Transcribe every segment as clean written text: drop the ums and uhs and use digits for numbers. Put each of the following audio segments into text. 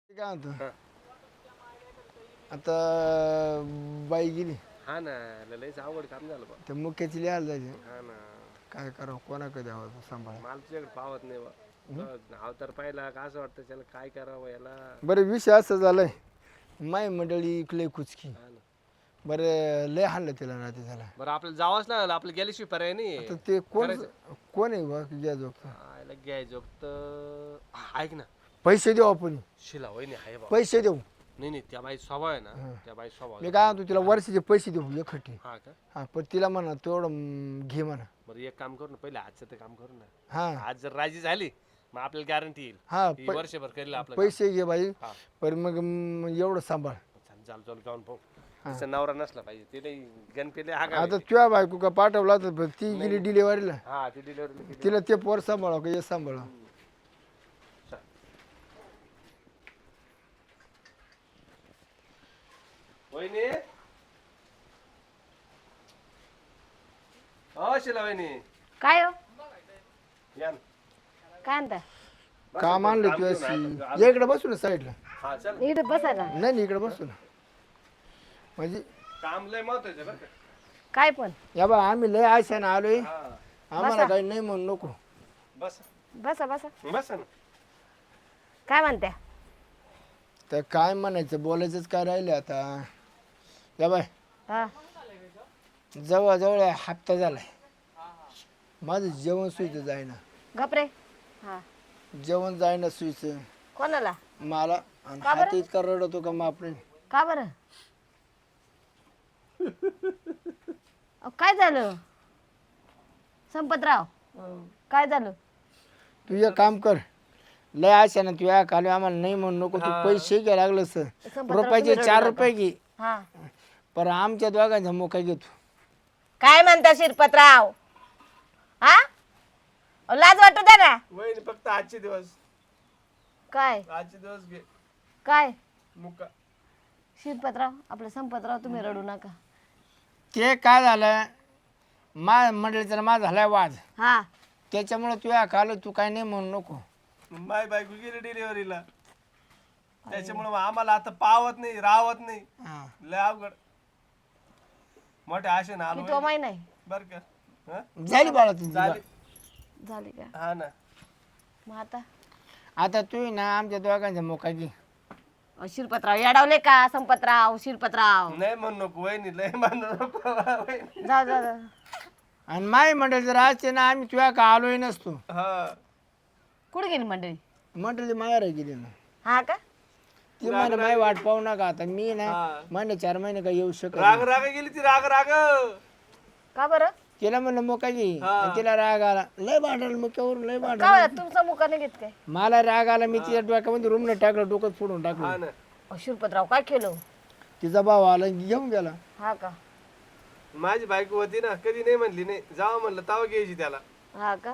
काय म्हणतो हा. आता बाई गेली हा ना लयच अवघड काम झालं बा. तर मुख्याची लिहायला जायचे हा ना काय करावं कोणाकडे द्यावं सांभाळ मला तुझ्याकडे पावत नाही बा. अवतार पाहिला का असं वाटतं त्याला काय करावं याला. बरं विषय असं झालाय माय मंडळी इकडे कुचकी हा ना बरं लय हाणलं तिला राहते त्याला बरं आपल्याला जावंच लागलं आपल्याला गेल्याशिवाय पर्याय नाही. तर ते कोण करायचं कोण आहे बा घ्या जो आयला घ्यायचं तर ऐक ना पैसे देऊ आपण शिला वहिनी आहे बा. पैसे देऊ नाही नाही त्या बाई स्वभाव आहे ना त्या बाई स्वभाव मी काय म्हणतो तिला वर्षाचे पैसे देऊ एकखट्टी हा का हां पण तिला म्हणा तेवढं घे म्हणा बरं एक काम करू ना पहिले आजचं ते काम करू ना. हां आज जर राजी झाली मग आपल्याला गॅरंटी येईल हां ही वर्षभर करेल आपलं पैसे घे बाई हा. पण मग एवढं सांभाळ चाल चाल जाऊन पाहू तिचा नवरा नसला पाहिजे ते नाही गणपती हा का आता तुझ्या बायको का पाठवला तर ती गेली डिलिव्हरीला हा ती डिलिव्हरी तिला ते पोर सांभाळा का हे सांभाळा वहिनी हो शिला वहिनी काय हो या ना. काय म्हणता काम आणलं तुझ्याशी इकडे बसू ना साईडला हा चल इकडे बसा ना नाही नाही इकडे बसू ना म्हणजे काम लय महत्वाचं बरं का काय पण या बा आम्ही लय आशाने आलोय हा आम्हाला काही नाही म्हणू नको बस बसा बसा बस ना काय म्हणत्या तर काय म्हणायचं बोलायचंच काय राहिलं आता या बाय हा जवळजवळ हप्ता झालाय माझं जेवण सुईचं जायना घपरे हा जेवण जायना सुईचं कोणाला मला आणि हात इतका रडतो का मापणे का बरं अहो, काय झालं संपतराव काय झालं तू एक काम कर लय आशा ना तू या काल आम्हाला नाही म्हणू नको तू पैसे घ्या लागलं सर संपतराव, रुपयाचे तुम्ही 4 रडू रुपये घे हा पर आमच्या दोघांचा मोका घेतो काय म्हणता शिरपतराव हा अहो, लाज वाटू द्या ना वहिनी फक्त आजचे दिवस काय आजचे दिवस घे काय मुक्का शिरपतराव आपलं संपतराव तुम्ही रडू नका ते काय झालं मंडळीचा माझा झालाय वाद हा त्याच्यामुळे तू या काल तू काय नाही म्हणू नको माय बायको गेली डिलिव्हरीला त्याच्यामुळे आम्हाला आता पावत नाही रावत नाही हा. लय अवघड मोठ्या आशेनं आलो तो माही नाही बर का हा? झाली बाळा तुझी झाली झाली का हा ना मग आता आता तू ना आमच्या दोघांचा मोका घे अहो, शिरपतराव येडवले का संपतराव शिरपतराव नाही म्हणू नको वहिनी लय म्हणू नको वहिनी. जा जा जा आणि माय मंडळ जर असते ना आम्ही तुझ्या का आलोय नसतो हा कुठे गेली मंडळी मंडळी माहेर गेली ना हा का ती म्हणे माय वाट पाहू नका आता मी ना हा. महिने 4 महिने काय येऊ शकत राग राग गेली ती राग राग का बरं तिला म्हणलं मोका घे हा. आणि तिला राग आला लय भांडल मुक्यावरून लय भांडल का बरं तुमचा मुका नाही घेत काय मला राग आला मी तिच्या डोक्यामध्ये रूमने टाकलं डोकं फोडून हा टाकलं ना अहो, शिरपतराव काय केलं तिचा भाव आला आणि घेऊन गेला हा का माझी बायको होती ना कधी नाही म्हणली नाही जावा म्हणलं तावा घ्यायची त्याला हा का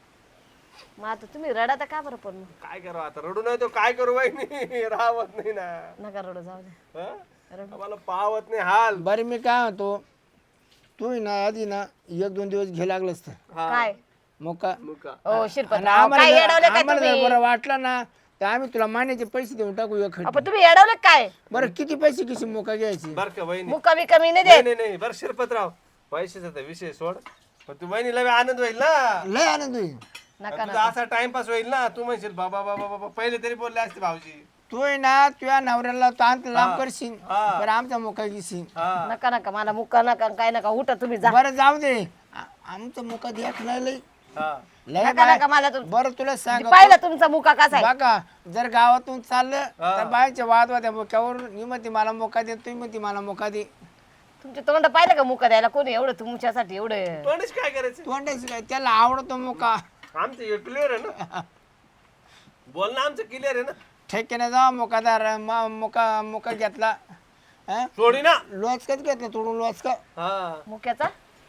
मग आता तुम्ही रडा का बरं पण मग? काय करावं आता रडू नाही तो काय करू वहिनी राहत नाही ना नका रडू जाऊ दे हा? आम्हाला पावत नाही हाल बरं मी काय म्हणतो तू ना आधी ना 1-2 दिवस घे लागलंच तर हा. काय मोका मुका ओ आणि शिरपतराव आम्हाला काय जर- येडवले काय आम्हाला जर तुम्ही बरं वाटलं ना तर आम्ही तुला महिन्याचे पैसे देऊन टाकू एक आपण तुम्ही येडवले काय बरं किती पैसे किती मोका घ्यायची बर का वहिनी मुका बी कमी नाही नाही देत नाही नाही बरं शिरपतराव पैशाचा तर विषय सोड पण तू वहिनीला बी आनंद होईल ना लय आनंद होईल नका तुझा असा टाइमपास होईल ना तू म्हणशील बाबा बाबा बाबा पहिले तरी बोलले असते भाऊजी तू आहे ना तुझ्या नवऱ्याला तांत लांब करशील हा. बरं आमचा मोका घेशील हा नका नका मला मुका नका काय नका उठा तुम्ही जा बरं जाऊ दे आमचा मोका देख नाही लय हा लय नका बाय- नका मला तुम बरं तुला सांग पाहिलं तुमचा मुका कसा आहे बघा जर गावातून चाललं तर बायचे वाद होत्या मोक्यावर मी म्हणते मला मोका दे तुम्ही म्हणते मला मोका दे तुमचे तोंड पाहिलं का मुका द्यायला कोणी एवढं तुमच्यासाठी एवढं तोंडच काय करायचं तोंडाची काय त्याला आवडतो मोका आमचं क्लिअर आहे ना बोल ना आमचं क्लिअर आहे ना ठेक्याने जा मोकादार मोका मोका घेतला हं? सोडी ना लोचकाच घेतला तोडून लोचका हा मुक्याचा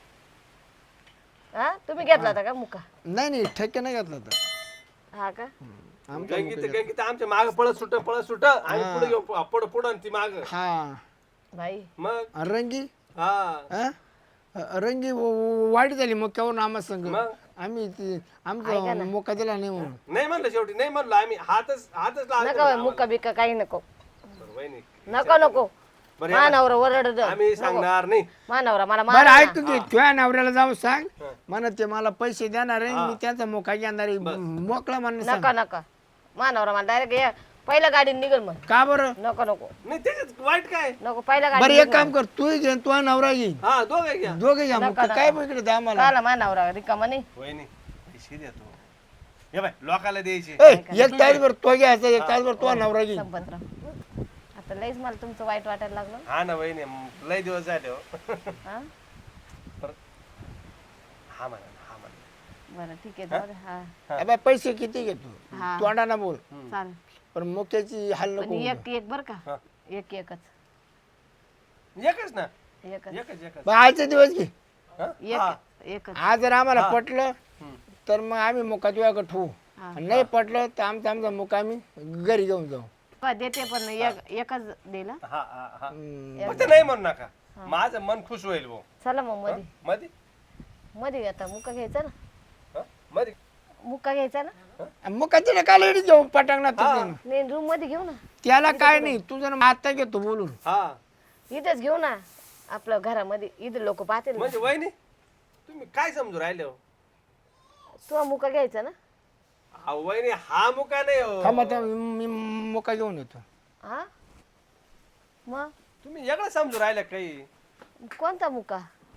हा तुम्ही घेतला होता का मुका नाही नाही ठेक्याने घेतला तर हा का आमचा गंगीत आमच्या माग पळत सुट आणि पुढे घेऊ पुढं पुढं आणि ती माग हा बाई मग रंगी हा हं? रंगी वाईट झाली मोक्यावरून आम्हा संग मग आम्ही आमचा मोका दिला नाही म्हणून. नाही म्हणलं शेवटी नाही म्हणलो आम्ही हातच नका लावला बाई, मुका बिका काही नको वहिनी नको बरं मानावर ओरड आम्ही सांगणार नाही मानावरा मला बरं मार ऐक तू की तुझ्या नवऱ्याला जाऊन सांग म्हणा ते मला पैसे देणार आहे मी त्यांचा मोका घेणार आहे. मोकळा म्हणून सांग. नका मानावरा मला डायरेक्ट पहिल्या गाडीने निघल मग का बरं नको नाही त्याच्यात वाईट काय नको पहिल्या बरं गाडी एक काम कर तू घे तुझा नवरा घेईन हा दोघे घ्या दोघे घ्या मग काय इकडे द्या आम्हाला. काला मानावरा रिकामा नाही वहिनी पैसे देतो हे बाय लोकाला द्यायचे एक तासभर तो घ्यायचा एक तासभर तुझा नवरा घेईन. संपतराव आता लईच मला तुमचं वाईट वाटायला लागलं हा ना वहिनी लय दिवस झाले हो हा हा म्हणा बरं ठीक आहे जाऊ दे. हा अबे पैसे किती घेतो हा. तोंडाना बोल चालेल पण मोक्याची हाल पण नको. एक बर का एकच एकच ना एकच एकच बरं, आजचे दिवस घे. हा? एकच आज जर आम्हाला पटलं तर मग आम्ही मुका तुझ्याकडे ठेवू आणि नाही पटलं तर आमचा मुका आम्ही घरी घेऊन जाऊ. देते पण एकच दिला हा हा हा फक्त नाही म्हणू नका माझं मन खुश होईल भाऊ चला मग मध्ये मध्ये मध्ये आता मुका घ्यायचा ना हा? मध्ये मुका घ्यायचा ना मुका तिला काय लेडीज जाऊ पटांगणात नाही रूम मध्ये घेऊ ना त्याला काय नाही तुझं आता घेतो बोलून. हा इथंच घेऊ ना आपलं घरामध्ये इथं लोक पाहतील ना. म्हणजे वहिनी तुम्ही काय समजू राहिले हो तू मुका घ्यायचा ना अहो, वहिनी हा मुका नाही हो थांबा थांबा, मी मुका घेऊन येतो. हा मग तुम्ही वेगळं समजू राहिले काही कोणता मुका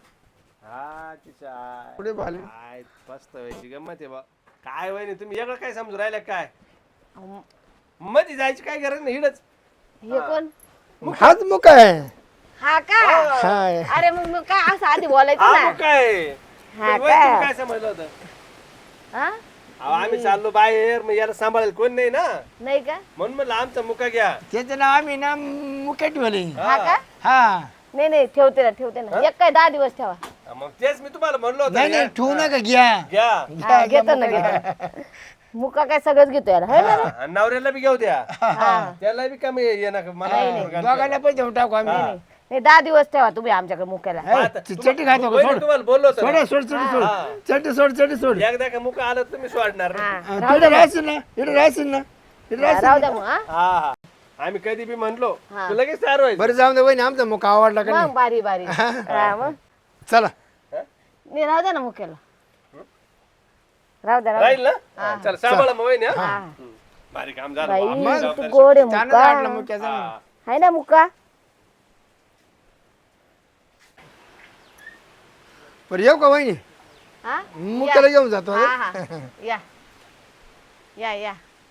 हा तिच्या पुढे भाले काय मस्त व्हायची गंमत आहे बा काय वहिनी तुम्ही वेगळं काय समजू राहिले काय अहो, मध्ये जायची काय गरज नाही हिडच हे कोण हाच मुका आहे. हा का हाय. अरे मग काय असं आधी बोलायचं हा ना मुका आहे हा पण वहिनी, तुम्ही का काय समजलं होतं हा अहो, आम्ही चाललो बाहेर मग याला सांभाळेल कोण नाही ना नाही का म्हणून म्हणलं आमचा मुका घ्या त्याचं नाव आम्ही ना मुक्या ठेवले. हा का हा नाही ठेवते ना एक काय 10 दिवस ठेवा हा, मग तेच मी तुम्हाला म्हणलो होतं नाही ना. नाही ठेवू नका घ्या. घ्या हा, घेतो ना घेतो मुका काय सगळंच घेतो याला है ना हा, आणि नवऱ्याला बी घेऊ द्या त्याला बी कमी ये ना मला दोघांना पण देऊन टाकू आम्ही. नाही 10 दिवस ठेवा तुम्ही आमच्याकडे मुक्याला चटी खातो का? वहिनी, सोड तुम्हाला बोललो होतो ना. सोड सोड सोड सोड चटी सोड चटी सोड. एकदा का मुका आलं तर तुम्ही सोडणार नाही. हा तिथे राहशील ना इकडे राहशील ना इकडे राहशील. राहू द्या मग हा हा हा आम्ही कधी बी म्हणलो तर लगेच तयार व्हायचं बरं जाऊन दे वहिनी आमचा मुका आवडला का मग बारी हा मग चला. नाही राहू द्या ना मुक्याला राहू द्या राहील ना चल सांभाळा मग वहिनी हा हा हम्म. भारी काम झालं बाई आपली तू जबाबदारी गोड आहे त्यानं मुक्का वाटलं मुक्याचं. हा. आहे ना मुक्का बरं येऊ का वहिनी हा मुक्याला घेऊन जातो. हा हा या या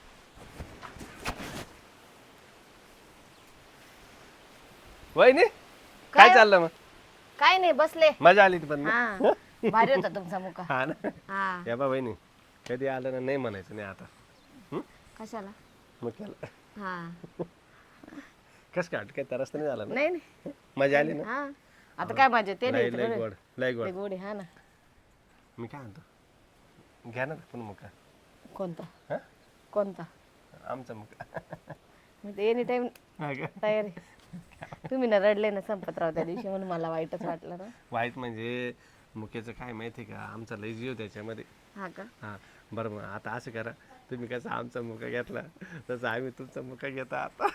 वहिनी काय चाललं मग काय नाही बसले मजा आली ती पण हा भारी होता तुमचा मुका हा ना हा या बा वहिनी कधी आलं ना नाही म्हणायचं नाही आता कशाला मग केलं हा कस काय काय तरस तर नाही झालं ना नाही मजा आली ना हा आता काय माझे ते लय नाही लय गोड लय गोड गोडी हा ना मी काय म्हणतो घ्या ना पण मुका कोणता हा कोणता आमचा मुका मी तर एनी टाइम हा का? तयारी तुम्ही ना रडले ना संपतराव त्या दिवशी म्हणून मला वाईटच वाटलं ना वाईट म्हणजे मुक्याचं काय माहिती का आमचा लय जीव त्याच्यामध्ये हा का हा बरं मग आता असं करा तुम्ही कसं आमचा मुका घेतला तसं आम्ही तुमचा मुका घेता आता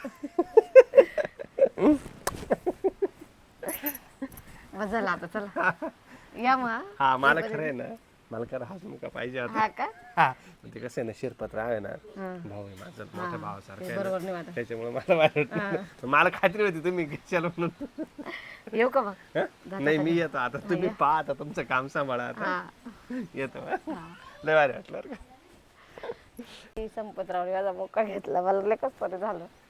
मग झालं आता चला या मग हा मला खरं आहे ना मला खरं हाच मुका पाहिजे आता हा का हा पण ते कसं आहे ना शिरपत्र आहे ना हा. भाऊ आहे माझा मोठ्या भावासारखा ते आहे ना. बरोबर नाही वाटत त्याच्यामुळे मला वाटत नाही. मला खात्री होती तुम्ही घेशाल म्हणून येऊ का मग हं? नाही मी येतो आता तुम्ही पहा आता तुमचं काम सांभाळा आता हा येतो लय भारी वाटलं बरं का संपतराव माझा मुका घेतला मला लय कसं तरी झालं